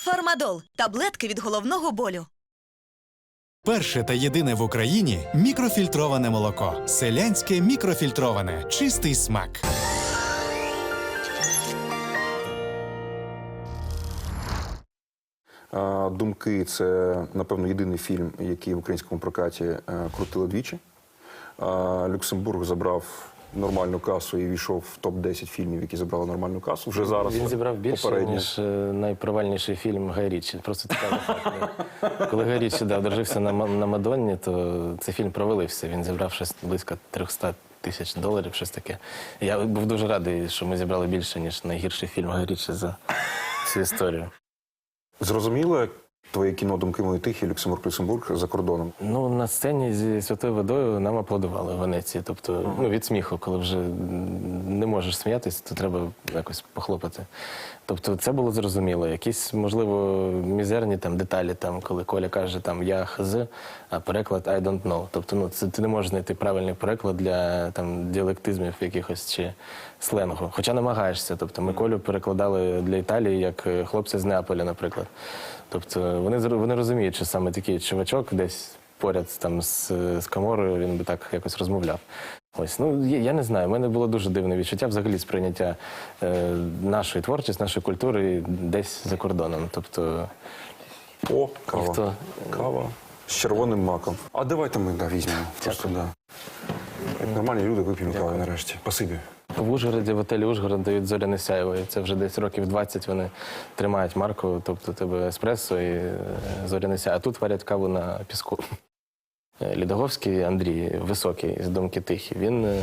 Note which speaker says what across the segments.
Speaker 1: Фармадол – таблетки від головного болю.
Speaker 2: Перше та єдине в Україні мікрофільтроване молоко. Селянське мікрофільтроване. Чистий смак.
Speaker 3: «Думки» – це, напевно, єдиний фільм, який в українському прокаті крутили двічі. Люксембург забрав нормальну касу і війшов в топ-10 фільмів, які забрали нормальну касу. Вже зараз
Speaker 4: він зібрав більше, ніж найпровальніший фільм Гай Річі. Просто цікавий факт. Коли Гай Річі одружився на Мадонні, то цей фільм провалився. Він зібрав щось близько 300 тисяч доларів, щось таке. Я був дуже радий, що ми зібрали більше, ніж найгірший фільм Гай Річі за всю історію.
Speaker 3: Зрозуміло, твоє кіно «Думки мої тихі», Люксембург за кордоном?
Speaker 4: Ну, на сцені зі «Святою водою» нам аплодували в Венеції. Тобто, від сміху, коли вже не можеш сміятися, то треба якось похлопати. Тобто, це було зрозуміло. Якісь, можливо, мізерні там деталі, там, коли Коля каже, там, я хз, а переклад I don't know. Тобто, ти не можеш знайти правильний переклад для там, діалектизмів якихось чи сленгу. Хоча намагаєшся. Тобто, ми Колю перекладали для Італії як хлопця з Неаполя, наприклад. Тобто, вони розуміють, що саме такий чувачок десь поряд там з Каморою, він би так якось розмовляв. Ось, ну, я не знаю, в мене було дуже дивне відчуття взагалі сприйняття нашої творчості, нашої культури десь за кордоном. Тобто,
Speaker 3: О, кава.
Speaker 4: ніхто...
Speaker 3: Кава з червоним маком. А давайте ми візьмемо. Просто, Як нормальні люди вип'ємо каву нарешті. Спасибі.
Speaker 4: В Ужгороді, в готелі «Ужгород» дають «Зоряне сяйво». І це вже десь років 20 вони тримають марку, тобто тебе еспресо і «Зоряне сяйво». А тут варять каву на піску. Лідоговський Андрій, високий, з «Думки тихі»,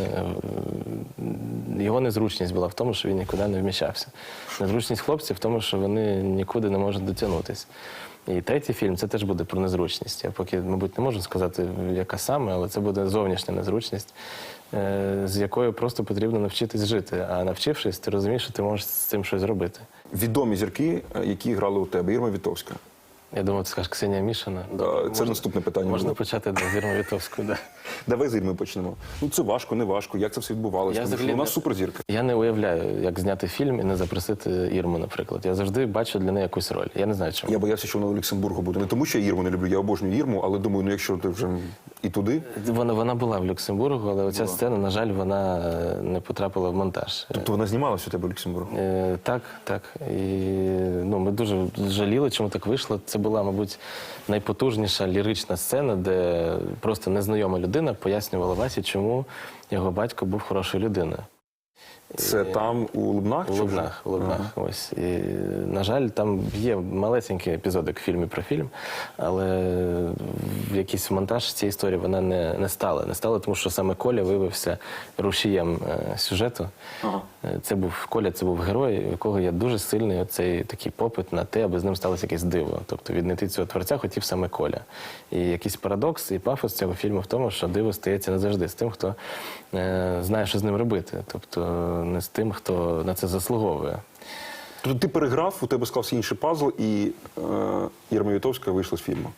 Speaker 4: його незручність була в тому, що він нікуди не вміщався. Незручність хлопців в тому, що вони нікуди не можуть дотягнутися. І третій фільм – це теж буде про незручність. Я поки, мабуть, не можу сказати, яка саме, але це буде зовнішня незручність, з якою просто потрібно навчитись жити. А навчившись, ти розумієш, що ти можеш з цим щось зробити.
Speaker 3: Відомі зірки, які грали у тебе. Ірма Вітовська.
Speaker 4: Я думав, ти скажеш Ксенія Мішина.
Speaker 3: Це наступне питання.
Speaker 4: Можна почати з Ірми Вітовської, так.
Speaker 3: Давай з Ірми почнемо. Ну, це важко, не важко. Як це все відбувалося? Вона суперзірка.
Speaker 4: Я не уявляю, як зняти фільм і не запросити Ірму, наприклад. Я завжди бачу для неї якусь роль. Я не знаю, чому.
Speaker 3: Я боявся, що вона у Люксембургу буде. Не тому, що я Ірму не люблю, я обожнюю Ірму, але думаю, ну якщо ти вже і туди...
Speaker 4: Вона була в Люксембургу, але оця сцена, на жаль, вона не потрапила в монтаж.
Speaker 3: Тобто вона знімалася у тебе в Люксембургу?
Speaker 4: Так, так. І ми дуже жаліли, чому так вийшло. Це була, мабуть, найпотужніша лірична сцена, де просто незнайома людина пояснювала Васі, чому його батько був хорошою людиною.
Speaker 3: Це там у Лубнах?
Speaker 4: У Лубнах, ось. І, на жаль, там є малесенький епізодик в фільмі про фільм, але в якийсь монтаж цієї історії вона не стала. Не стала, тому що саме Коля виявився рушієм сюжету. Коля – це був герой, у якого є дуже сильний оцей такий попит на те, аби з ним сталося якесь диво. Тобто віднайти цього творця хотів саме Коля. І якийсь парадокс і пафос цього фільму в тому, що диво стається не завжди з тим, хто знає, що з ним робити. Тобто не з тим, хто на це заслуговує.
Speaker 3: Тобто ти переграв, у тебе склався інший пазл, і Ірма Вітовська вийшла з фільму?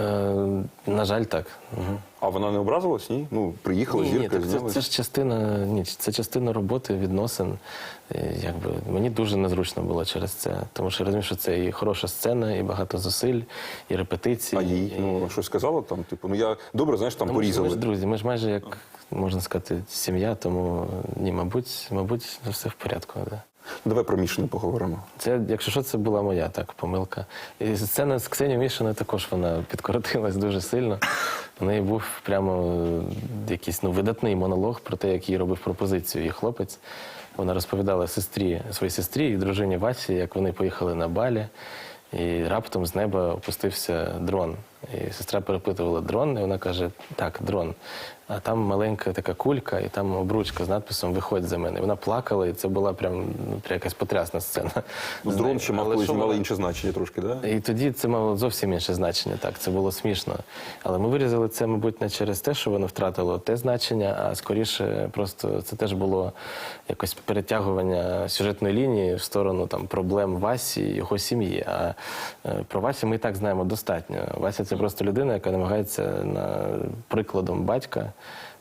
Speaker 4: На жаль, так.
Speaker 3: А вона не образилась, ні? Ну, приїхала, зірка, знялась?
Speaker 4: Це ж частина роботи, відносин. Мені дуже незручно було через це. Тому що я розумію, що це і хороша сцена, і багато зусиль, і репетиції.
Speaker 3: А їй щось сказала там? Типу, я добре, знаєш, там порізали.
Speaker 4: Ми ж друзі, ми ж майже, як можна сказати, сім'я, тому ні, мабуть, все в порядку. Да.
Speaker 3: Давай про Мішину поговоримо.
Speaker 4: Це, якщо що, це була моя помилка. І сцена з Ксенією Мішиною також вона підкоротилась дуже сильно. У неї був прямо якийсь видатний монолог про те, як їй робив пропозицію її хлопець. Вона розповідала своїй сестрі і дружині Васі, як вони поїхали на Балі, і раптом з неба опустився дрон. І сестра перепитувала дрон, і вона каже, так, дрон. А там маленька така кулька, і там обручка з надписом «Виходь за мене». І вона плакала, і це була прям якась потрясна сцена.
Speaker 3: Дрон ще мало інше значення трошки, так?
Speaker 4: І тоді це мало зовсім інше значення, так, це було смішно. Але ми вирізали це, мабуть, не через те, що воно втратило те значення, а скоріше просто це теж було якось перетягування сюжетної лінії в сторону проблем Васі і його сім'ї. А про Васю ми і так знаємо достатньо. Вася – це просто людина, яка намагається прикладом батька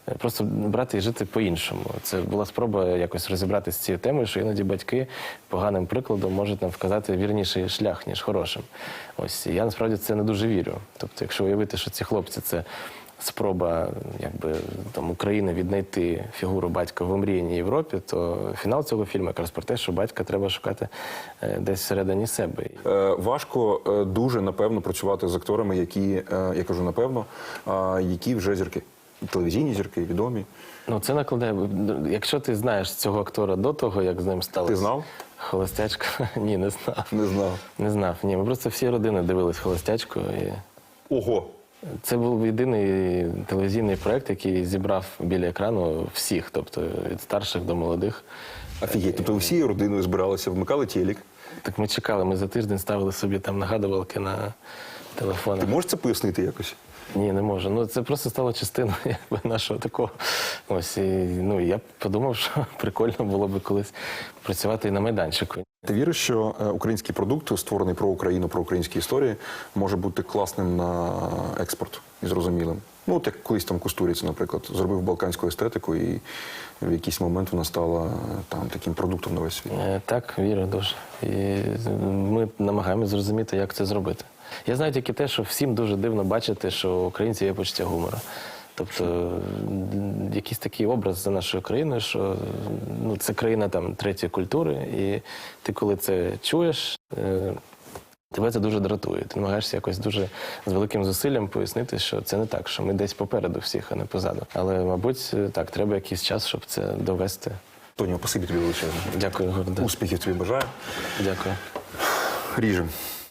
Speaker 4: просто брати і жити по-іншому. Це була спроба якось розібратися з цією темою, що іноді батьки поганим прикладом можуть нам вказати вірніший шлях, ніж хорошим. Ось, і я насправді в це не дуже вірю. Тобто, якщо уявити, що ці хлопці – це спроба якби, там, України віднайти фігуру батька в омріяній Європі, то фінал цього фільму якраз про те, що батька треба шукати десь всередині себе.
Speaker 3: Важко дуже, напевно, працювати з акторами, які, я кажу, напевно, які вже зірки. Телевізійні зірки, відомі.
Speaker 4: Ну, це накладає. Якщо ти знаєш цього актора до того, як з ним сталося.
Speaker 3: Ти знав?
Speaker 4: Холостячка? Ні, не знав.
Speaker 3: Не знав.
Speaker 4: Не знав. Ні, ми просто всі родини дивились холостячку. І
Speaker 3: Ого!
Speaker 4: це був єдиний телевізійний проект, який зібрав біля екрану всіх, тобто від старших до молодих.
Speaker 3: Офігеть, тобто всі родиною збиралися, вмикали телек.
Speaker 4: Так ми чекали, ми за тиждень ставили собі там нагадувалки на телефонах.
Speaker 3: Ти можеш це пояснити якось?
Speaker 4: Ні, не можу. Ну, це просто стало частиною якби, нашого такого. Ось, і, ну, я подумав, що прикольно було би колись працювати і на майданчику.
Speaker 3: Ти віриш, що український продукт, створений про Україну, про українські історії, може бути класним на експорт і зрозумілим? Ну, от як колись там Кустуріць, наприклад, зробив балканську естетику, і в якийсь момент вона стала там таким продуктом на весь світ.
Speaker 4: Так, вірю дуже. І ми намагаємося зрозуміти, як це зробити. Я знаю тільки те, що всім дуже дивно бачити, що у українців є почуття гумору. Тобто якийсь такий образ за нашою країною, що ну, це країна там третьої культури, і ти коли це чуєш, тебе це дуже дратує. Ти намагаєшся якось дуже з великим зусиллям пояснити, що це не так, що ми десь попереду всіх, а не позаду. Але, мабуть, так, треба якийсь час, щоб це довести.
Speaker 3: Тоніо, спасибі тобі величезне.
Speaker 4: Дякую, Горда.
Speaker 3: Успіхів тобі бажаю.
Speaker 4: Дякую.
Speaker 3: Ріжем.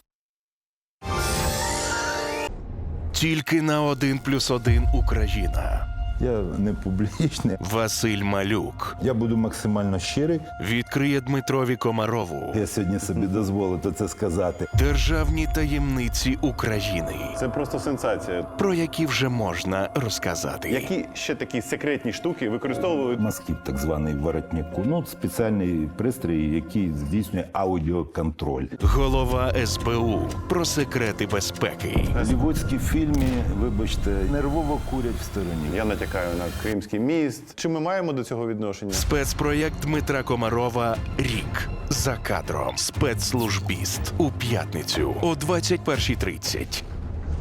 Speaker 5: Тільки на 1+1 Україна.
Speaker 6: Я не публічний.
Speaker 5: Василь Малюк
Speaker 6: Я буду максимально щирий.
Speaker 5: відкриє Дмитрові Комарову
Speaker 6: Я сьогодні собі дозволив це сказати.
Speaker 5: державні таємниці України,
Speaker 7: Це просто сенсація.
Speaker 5: про які вже можна розказати.
Speaker 7: Які ще такі секретні штуки використовують?
Speaker 6: Масків, так званий воротнику. Ну, спеціальний пристрій, який здійснює аудіоконтроль.
Speaker 5: Голова СБУ про секрети безпеки.
Speaker 6: В голлівудській фільмі, вибачте, нервово курять в стороні.
Speaker 7: Я натякаю на Кримський міст. Чи ми маємо до цього відношення?
Speaker 5: Спецпроєкт Дмитра Комарова «Рік за кадром». Спецслужбіст у п'ятницю о 21:30.